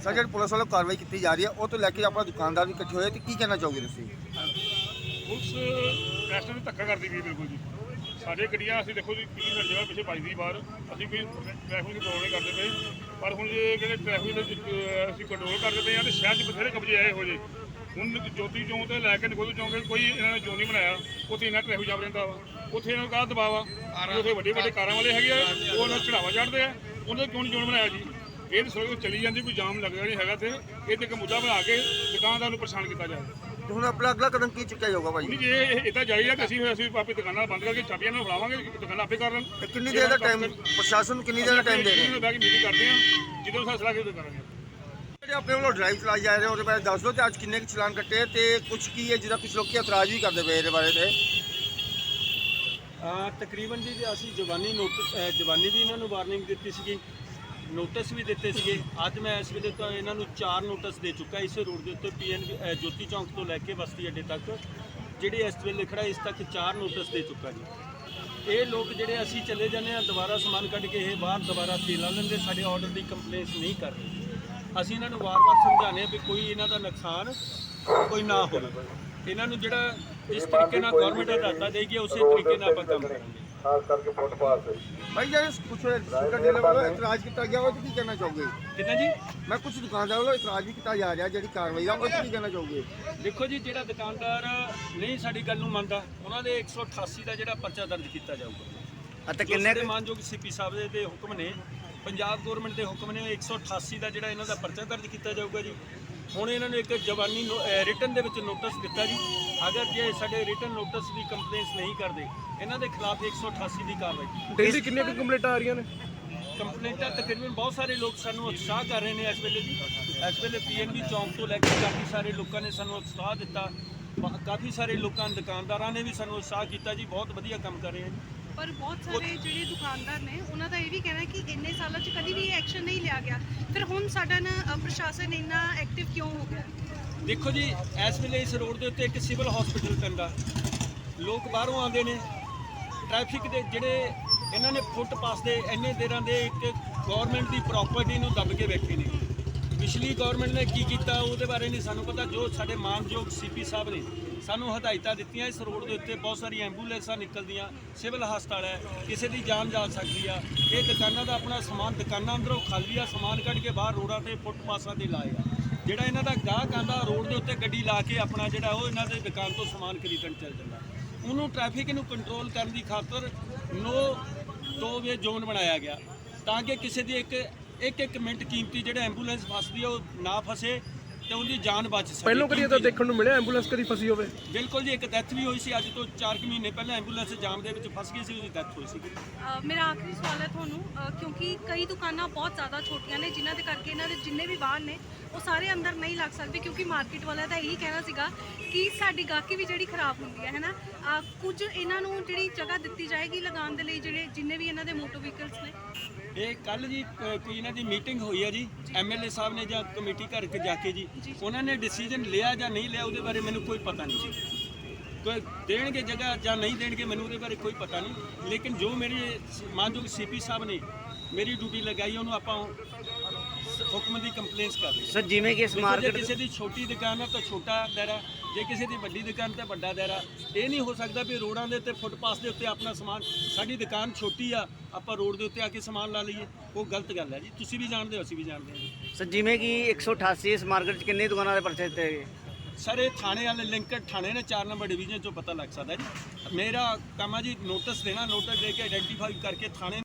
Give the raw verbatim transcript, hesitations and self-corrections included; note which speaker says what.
Speaker 1: Sir ਜਿਹੜੀ police ਵੱਲੋਂ ਕਾਰਵਾਈ ਕੀਤੀ ਜਾ ਰਹੀ ਹੈ ਉਹ ਤੋਂ ਲੈ ਕੇ ਆਪਣਾ ਦੁਕਾਨਦਾਰ ਵੀ ਇਕੱਠੇ ਹੋਏ ਤੇ ਕੀ ਕਹਿਣਾ ਚਾਹੋਗੇ ਤੁਸੀਂ?
Speaker 2: ਪੁਲਿਸ ਟੈਸਟ ਨੂੰ ਧੱਕਾ ਕਰਦੀ ਪਈ ਬਿਲਕੁਲ ਜੀ। ਸਾਡੇ ਗੱਡੀਆਂ ਅਸੀਂ ਦੇਖੋ ਜੀ ਕਿੰਨੀ ਸਾਡੀ ਜਗ੍ਹਾ ਪਿੱਛੇ ਵੱਜਦੀ ਬਾਹਰ, ਅਸੀਂ ਕੋਈ ਟ੍ਰੈਫਿਕ ਕੰਟਰੋਲ ਨਹੀਂ ਕਰਦੇ ਪਏ। ਪਰ ਹੁਣ ਜੇ ਕਹਿੰਦੇ ਟ੍ਰੈਫਿਕ ਦੇ ਅਸੀਂ ਕੰਟਰੋਲ ਕਰਦੇ ਪਏ ਹਾਂ ਤੇ ਸ਼ਹਿਰ 'ਚ ਬਥੇਰੇ ਕਬਜ਼ੇ ਆਏ ਹੋ ਜੇ। ਹੁਣ ਜੋਤੀ ਚੌਂਕ ਤੋਂ ਲੈ ਕੇ ਨਕੋਦਰ ਚੌਂਕ ਕੋਈ ਇਹਨਾਂ ਨੇ ਜ਼ੋਨ ਨਹੀਂ ਬਣਾਇਆ, ਉੱਥੇ ਇਹਨਾਂ ਟ੍ਰੈਫਿਕ ਜਾਮ ਰਹਿੰਦਾ ਵਾ। ਉੱਥੇ ਇਹਨਾਂ ਨੂੰ ਕਾਹਦਾ ਦਬਾਅ ਆ? ਉੱਥੇ ਵੱਡੇ ਵੱਡੇ ਕਾਰਾਂ ਵਾਲੇ ਹੈਗੇ ਆ, ਉਹ ਉਹਨਾਂ ਚੜਾਵਾ ਚੜ੍ਹਦੇ ਆ, ਉਹਨਾਂ ਦਾ ਕਿਉਂ ਨਹੀਂ ਜ਼ੋਨ ਬਣਾਇਆ ਜੀ? ਇਹ ਤਾਂ ਸੜਕ ਚੱਲੀ ਜਾਂਦੀ, ਕੋਈ ਜਾਮ ਲੱਗਦਾ ਨਹੀਂ ਹੈਗਾ। ਤੇ ਇਹ ਤੇ ਇੱਕ ਮੁੱਦਾ ਬਣਾ ਕੇ ਦੁਕਾਨਦਾਰ ਨੂੰ ਪਰੇਸ਼ਾਨ ਕੀਤਾ ਜਾਵੇ।
Speaker 1: ਤੇ ਹੁਣ ਆਪਣਾ ਅਗਲਾ ਕਦਮ ਕੀ ਚੁੱਕਿਆ ਜਾਊਗਾ ਭਾਈ?
Speaker 2: ਨਹੀਂ ਜੇ ਇਹ ਇੱਦਾਂ ਜਾਰੀ ਆ ਕਿ ਅਸੀਂ ਅਸੀਂ ਆਪਣੀ ਦੁਕਾਨਾਂ ਬੰਦ ਕਰਕੇ ਚਾਬੀਆਂ ਨਾਲ ਫੜਾਵਾਂਗੇ, ਦੁਕਾਨਾਂ ਆਪੇ ਕਰ ਲੈਣ।
Speaker 1: ਤੇ ਕਿੰਨੀ ਦੇਰ ਦਾ ਟਾਈਮ ਪ੍ਰਸ਼ਾਸਨ ਨੂੰ ਕਿੰਨੀ ਦੇਰ ਦਾ ਟਾਈਮ ਦੇ ਰਹੇ?
Speaker 2: ਬਹਿ ਕੇ ਮੀਟਿੰਗ ਕਰਦੇ ਆ, ਜਦੋਂ ਫੈਸਲਾ ਕਿਉਂ ਕਰਾਂਗੇ।
Speaker 1: ਜਿਹੜੇ ਆਪਣੇ ਵੱਲੋਂ ਡਰਾਈਵ ਚਲਾਈ ਜਾ ਰਹੇ ਉਹਦੇ ਬਾਰੇ ਦੱਸ ਦਿਓ ਤੇ ਅੱਜ ਕਿੰਨੇ ਕੁ ਚਲਾਨ ਕੱਟੇ ਤੇ ਕੁਝ ਕੀ ਹੈ ਜਿਹਦਾ ਕੁਝ ਲੋਕੀ ਇਤਰਾਜ਼ ਵੀ ਕਰਦੇ ਪਏ ਇਹਦੇ ਬਾਰੇ? ਤੇ
Speaker 3: ਤਕਰੀਬਨ ਜੀ ਅਸੀਂ ਜਵਾਨੀ ਨੋਟਿਸ ਜਵਾਨੀ ਦੀ ਇਹਨਾਂ ਨੂੰ ਵਾਰਨਿੰਗ ਦਿੱਤੀ ਸੀਗੀ, ਨੋਟਿਸ ਵੀ ਦਿੱਤੇ ਸੀਗੇ। ਅੱਜ ਮੈਂ ਇਸ ਵੇਲੇ ਤਾਂ ਇਹਨਾਂ ਨੂੰ ਚਾਰ ਨੋਟਿਸ ਦੇ ਚੁੱਕਾ ਇਸੇ ਰੋਡ ਦੇ ਉੱਤੇ ਪੀ ਐਨ ਜੋਤੀ ਚੌਂਕ ਤੋਂ ਲੈ ਕੇ ਬਸਤੀ ਅੱਡੇ ਤੱਕ, ਜਿਹੜੇ ਇਸ ਵੇਲੇ ਖੜਾ ਇਸ ਤੱਕ ਚਾਰ ਨੋਟਿਸ ਦੇ ਚੁੱਕਾ ਜੀ। ਇਹ ਲੋਕ ਜਿਹੜੇ ਅਸੀਂ ਚਲੇ ਜਾਂਦੇ ਆ ਦੁਬਾਰਾ ਸਮਾਨ ਕੱਢ ਕੇ ਇਹ ਬਾਹਰ ਦੁਬਾਰਾ ਤੇ ਲਾ ਲੈਂਦੇ, ਸਾਡੇ ਆਰਡਰ ਦੀ ਕੰਪਲੇਂਟ ਨਹੀਂ ਕਰ ਰਹੇ। ਅਸੀਂ ਇਹਨਾਂ ਨੂੰ ਵਾਰ-ਵਾਰ ਸਮਝਾਉਂਦੇ ਆ ਵੀ ਕੋਈ ਇਹਨਾਂ ਦਾ ਨੁਕਸਾਨ ਕੋਈ ਨਾ ਹੋਵੇ। ਇਹਨਾਂ ਨੂੰ ਜਿਹੜਾ ਜਿਸ ਤਰੀਕੇ ਨਾਲ ਗਵਰਨਮੈਂਟ ਹਦਾਇਤਾਂ ਦੇਗੀ ਉਸੇ ਤਰੀਕੇ ਨਾਲ ਆਪਾਂ ਕੰਮ ਕਰਾਂਗੇ।
Speaker 1: ਖਾਸ ਕਰਕੇ ਫੁੱਟਪਾਥ ਤੇ ਭਾਈ ਜਿਹੜੇ ਕੁਝ ਸ਼ੂਗਰ ਡੀਲਰ ਵੱਲੋਂ ਇਤਰਾਜ਼ ਕੀਤਾ ਗਿਆ ਉਹ 'ਤੇ ਕੀ ਕਹਿਣਾ ਚਾਹੋਗੇ?
Speaker 3: ਕਿੰਨਾ ਜੀ?
Speaker 1: ਮੈਂ ਕੁਝ ਦੁਕਾਨਦਾਰ ਵੱਲੋਂ ਇਤਰਾਜ਼ ਵੀ ਕੀਤਾ ਜਾ ਰਿਹਾ ਜਿਹੜੀ ਕਾਰਵਾਈ ਆ ਉਹ 'ਤੇ ਕੀ ਕਹਿਣਾ ਚਾਹੋਗੇ?
Speaker 3: ਦੇਖੋ ਜੀ, ਜਿਹੜਾ ਦੁਕਾਨਦਾਰ ਨਹੀਂ ਸਾਡੀ ਗੱਲ ਨੂੰ ਮੰਨਦਾ ਉਹਨਾਂ ਦੇ ਇੱਕ ਸੌ ਅਠਾਸੀ ਦਾ ਜਿਹੜਾ ਪਰਚਾ ਦਰਜ ਕੀਤਾ ਜਾਊਗਾ।
Speaker 1: ਅਤੇ
Speaker 3: ਕਿੰਨੇ ਮਾਨਯੋਗ ਸੀਪੀ ਸਾਹਿਬ ਦੇ ਦੇ ਹੁਕਮ ਨੇ, ਪੰਜਾਬ ਗਵਰਨਮੈਂਟ ਦੇ ਹੁਕਮ ਨੇ, ਇੱਕ ਸੌ ਅਠਾਸੀ ਦਾ ਜਿਹੜਾ ਇਹਨਾਂ ਦਾ ਪਰਚਾ ਦਰਜ ਕੀਤਾ ਜਾਊਗਾ ਜੀ। ਹੁਣ ਇਹਨਾਂ ਨੂੰ ਇੱਕ ਜਵਾਨੀ ਰਿਟਨ ਦੇ ਵਿੱਚ ਨੋਟਿਸ ਦਿੱਤਾ ਜੀ। ਅਗਰ ਜੇ ਸਾਡੇ ਰਿਟਨ ਨੋਟਿਸ ਦੀ ਕੰਪਲੇਂਟਸ ਨਹੀਂ ਕਰਦੇ ਇਹਨਾਂ ਦੇ ਖਿਲਾਫ ਇੱਕ ਸੌ ਅਠਾਸੀ ਦੀ ਕਾਰਵਾਈ।
Speaker 4: ਡੇਲੀ ਕਿੰਨੇ ਕੁ ਕੰਪਲੇਂਟਾਂ ਆ ਰਹੀਆਂ ਨੇ?
Speaker 3: ਕੰਪਲੇਂਟਾਂ ਤਕਰੀਬਨ ਬਹੁਤ ਸਾਰੇ ਲੋਕ ਸਾਨੂੰ ਉਤਸ਼ਾਹ ਕਰ ਰਹੇ ਨੇ ਇਸ ਵੇਲੇ ਜੀ। ਇਸ ਵੇਲੇ ਪੀ ਐਨ ਬੀ ਚੌਂਕ ਤੋਂ ਲੈ ਕੇ ਕਾਫੀ ਸਾਰੇ ਲੋਕਾਂ ਨੇ ਸਾਨੂੰ ਉਤਸ਼ਾਹ ਦਿੱਤਾ, ਕਾਫੀ ਸਾਰੇ ਲੋਕਾਂ ਦੁਕਾਨਦਾਰਾਂ ਨੇ ਵੀ ਸਾਨੂੰ ਉਤਸ਼ਾਹ ਕੀਤਾ ਜੀ। ਬਹੁਤ ਵਧੀਆ ਕੰਮ ਕਰ ਰਹੇ ਹਨ।
Speaker 5: ਪਰ ਬਹੁਤ ਸਾਰੇ ਜਿਹੜੇ ਦੁਕਾਨਦਾਰ ਨੇ ਉਹਨਾਂ ਦਾ ਇਹ ਵੀ ਕਹਿਣਾ ਕਿ ਇੰਨੇ ਸਾਲਾਂ 'ਚ ਕਦੀ ਵੀ ਐਕਸ਼ਨ ਨਹੀਂ ਲਿਆ ਗਿਆ, ਫਿਰ ਹੁਣ ਸਾਡਾ ਨਾ ਪ੍ਰਸ਼ਾਸਨ ਇੰਨਾ ਐਕਟਿਵ ਕਿਉਂ ਹੋ ਗਿਆ?
Speaker 3: ਦੇਖੋ ਜੀ, ਇਸ ਵੇਲੇ ਇਸ ਰੋਡ ਦੇ ਉੱਤੇ ਇੱਕ ਸਿਵਲ ਹਸਪੀਟਲ ਪੈਂਦਾ, ਲੋਕ ਬਾਹਰੋਂ ਆਉਂਦੇ ਨੇ, ਟ੍ਰੈਫਿਕ ਦੇ ਜਿਹੜੇ ਇਹਨਾਂ ਨੇ ਫੁੱਟਪਾਥ ਦੇ ਇੰਨੇ ਦੇਰਾਂ ਦੇ ਇੱਕ ਗਵਰਨਮੈਂਟ ਦੀ ਪ੍ਰਾਪਰਟੀ ਨੂੰ ਦੱਬ ਕੇ ਬੈਠੇ ਨੇ। ਪਿਛਲੀ ਗਵਰਨਮੈਂਟ ਨੇ ਕੀ ਕੀਤਾ ਉਹਦੇ ਬਾਰੇ ਨਹੀਂ ਸਾਨੂੰ ਪਤਾ। ਜੋ ਸਾਡੇ ਮਾਨਯੋਗ ਸੀਪੀ ਸਾਹਿਬ ਨੇ ਸਾਨੂੰ ਹਦਾਇਤਾਂ ਦਿੱਤੀਆਂ, ਇਸ ਰੋਡ ਦੇ ਉੱਤੇ ਬਹੁਤ ਸਾਰੀ ਐਂਬੂਲੈਂਸਾਂ ਨਿਕਲਦੀਆਂ, ਸਿਵਲ ਹਸਪਤਾਲ ਹੈ, ਕਿਸੇ ਦੀ ਜਾਨ ਜਾ ਸਕਦੀ ਆ। ਇਹ ਦੁਕਾਨਾਂ ਦਾ ਆਪਣਾ ਸਮਾਨ ਦੁਕਾਨਾਂ ਅੰਦਰੋਂ ਖਾਲੀ ਆ, ਸਮਾਨ ਕੱਢ ਕੇ ਬਾਹਰ ਰੋਡਾਂ ਤੇ ਫੁੱਟਪਾਥਾਂ ਤੇ ਲਾਏਗਾ। ਜਿਹੜਾ ਇਹਨਾਂ ਦਾ ਗਾਹਕ ਆਂਦਾ ਰੋਡ ਦੇ ਉੱਤੇ ਗੱਡੀ ਲਾ ਕੇ ਆਪਣਾ ਜਿਹੜਾ ਉਹ ਇਹਨਾਂ ਦੇ ਦੁਕਾਨ ਤੋਂ ਸਮਾਨ ਖਰੀਦਣ ਚੱਲ ਜਾਂਦਾ। ਉਹਨੂੰ ਟ੍ਰੈਫਿਕ ਨੂੰ ਕੰਟਰੋਲ ਕਰਨ ਦੀ ਖਾਤਰ ਨੋ ਟੋ ਵੇ ਜ਼ੋਨ ਬਣਾਇਆ ਗਿਆ ਤਾਂ ਕਿ ਕਿਸੇ ਦੀ ਇੱਕ ਇੱਕ ਇੱਕ ਮਿੰਟ ਕੀਮਤੀ ਜਿਹੜਾ ਐਂਬੂਲੈਂਸ ਫਸਦੀ ਆ ਉਹ ਨਾ ਫਸੇ ਤੇ ਉਹਦੀ ਜਾਨ ਬਚ ਸਕੇ।
Speaker 4: ਪਹਿਲਾਂ ਕਦੀ ਤਾਂ ਦੇਖਣ ਨੂੰ ਮਿਲਿਆ ਐਂਬੂਲੈਂਸ ਕਦੀ ਫਸੀ ਹੋਵੇ?
Speaker 3: ਬਿਲਕੁਲ ਜੀ, ਇੱਕ ਡੈਥ ਵੀ ਹੋਈ ਸੀ ਅੱਜ ਤੋਂ ਚਾਰ ਕੁ ਮਹੀਨੇ ਪਹਿਲਾਂ। ਐਂਬੂਲੈਂਸ ਜਾਮ ਦੇ ਵਿੱਚ ਫਸ ਗਈ ਸੀ, ਉਹਦੀ ਡੈਥ ਹੋਈ ਸੀ।
Speaker 5: ਮੇਰਾ ਆਖਰੀ ਸਵਾਲ ਹੈ ਤੁਹਾਨੂੰ, ਅ, ਕਿਉਂਕਿ ਕਈ ਦੁਕਾਨਾਂ ਬਹੁਤ ਜ਼ਿਆਦਾ ਛੋਟੀਆਂ ਨੇ ਜਿਨ੍ਹਾਂ ਦੇ ਕਰਕੇ ਇਹਨਾਂ ਦੇ ਜਿੰਨੇ ਵੀ ਵਾਹਨ ਨੇ ਉਹ ਸਾਰੇ ਅੰਦਰ ਨਹੀਂ ਲੱਗ ਸਕਦੇ, ਕਿਉਂਕਿ ਮਾਰਕੀਟ ਵਾਲਿਆਂ ਦਾ ਇਹੀ ਕਹਿਣਾ ਸੀਗਾ ਕਿ ਸਾਡੀ ਗਾਹਕੀ ਵੀ ਜਿਹੜੀ ਖਰਾਬ ਹੁੰਦੀ ਹੈ ਹੈ ਨਾ। ਅ, ਕੁਝ ਇਹਨਾਂ ਨੂੰ ਜਿਹੜੀ ਜਗ੍ਹਾ ਦਿੱਤੀ ਜਾਏਗੀ ਲਗਾਉਣ ਦੇ ਲਈ ਜਿਹੜੇ ਜਿੰਨੇ ਵੀ ਇਹਨਾਂ ਦੇ ਮੋਟਰ ਵਹੀਕਲਸ ਨੇ।
Speaker 3: ਇਹ ਕੱਲ ਜੀ ਅ, ਕੋਈ ਇਹਨਾਂ ਦੀ ਮੀਟਿੰਗ ਹੋਈ ਹੈ ਜੀ, ਐਮ ਐਲ ਏ ਸਾਹਿਬ ਨੇ ਜਾਂ ਕਮੇਟੀ ਘਰ ਕੇ ਜਾ ਕੇ ਜੀ ਉਹਨਾਂ ਨੇ ਡਿਸੀਜਨ ਲਿਆ ਜਾਂ ਨਹੀਂ ਲਿਆ ਉਹਦੇ ਬਾਰੇ ਮੈਨੂੰ ਕੋਈ ਪਤਾ ਨਹੀਂ ਜੀ। ਕੋਈ ਦੇਣਗੇ ਜਗ੍ਹਾ ਜਾਂ ਨਹੀਂ ਦੇਣਗੇ ਮੈਨੂੰ ਉਹਦੇ ਬਾਰੇ ਕੋਈ ਪਤਾ ਨਹੀਂ। ਲੇਕਿਨ ਜੋ ਮੇਰੀ ਮਾਨਯੋਗ ਸੀਪੀ ਸਾਹਿਬ ਨੇ ਮੇਰੀ ਡਿਊਟੀ ਲਗਾਈ ਉਹਨੂੰ ਆਪਾਂ ਹੁਕਮ ਦੀ ਕੰਪਲੇਂਟਸ ਕਰ ਰਹੇ।
Speaker 6: ਸਰ ਜਿਵੇਂ ਕਿ ਇਸ ਮਾਰਕੀਟ
Speaker 3: ਕਿਸੇ ਦੀ ਛੋਟੀ ਦੁਕਾਨ ਹੈ ਤਾਂ ਛੋਟਾ ਦਾਇਰਾ, ਜੇ ਕਿਸੇ ਦੀ ਵੱਡੀ ਦੁਕਾਨ ਤੇ ਵੱਡਾ ਦਾਇਰਾ। ਇਹ ਨਹੀਂ ਹੋ ਸਕਦਾ ਵੀ ਰੋਡਾਂ ਦੇ ਉੱਤੇ ਫੁੱਟਪਾਥ ਦੇ ਉੱਤੇ ਆਪਣਾ ਸਮਾਨ, ਸਾਡੀ ਦੁਕਾਨ ਛੋਟੀ ਆ ਆਪਾਂ ਰੋਡ ਦੇ ਉੱਤੇ ਆ ਕੇ ਸਮਾਨ ਲਾ ਲਈਏ, ਉਹ ਗਲਤ ਗੱਲ ਹੈ ਜੀ। ਤੁਸੀਂ ਵੀ ਜਾਣਦੇ ਹੋ, ਅਸੀਂ ਵੀ ਜਾਣਦੇ ਹਾਂ।
Speaker 6: ਸਰ ਜਿਵੇਂ ਕਿ ਇੱਕ ਸੌ ਅਠਾਸੀ ਇਸ ਮਾਰਕੀਟ 'ਚ ਕਿੰਨੇ ਦੁਕਾਨਾਂ ਦੇ ਪਰਚੇ ਦਿੱਤੇ ਗਏ?
Speaker 3: ਸਰ ਇਹ ਥਾਣੇ ਵਾਲੇ ਲਿੰਕਡ ਥਾਣੇ ਨੇ, ਚਾਰ ਨੰਬਰ ਡਿਵੀਜ਼ਨ 'ਚੋਂ ਪਤਾ ਲੱਗ ਸਕਦਾ ਜੀ। ਮੇਰਾ ਕੰਮ ਆ ਜੀ ਨੋਟਿਸ ਦੇਣਾ, ਨੋਟਿਸ ਦੇ ਕੇ ਆਈਡੈਂਟੀਫਾਈ ਕਰਕੇ ਥਾਣੇ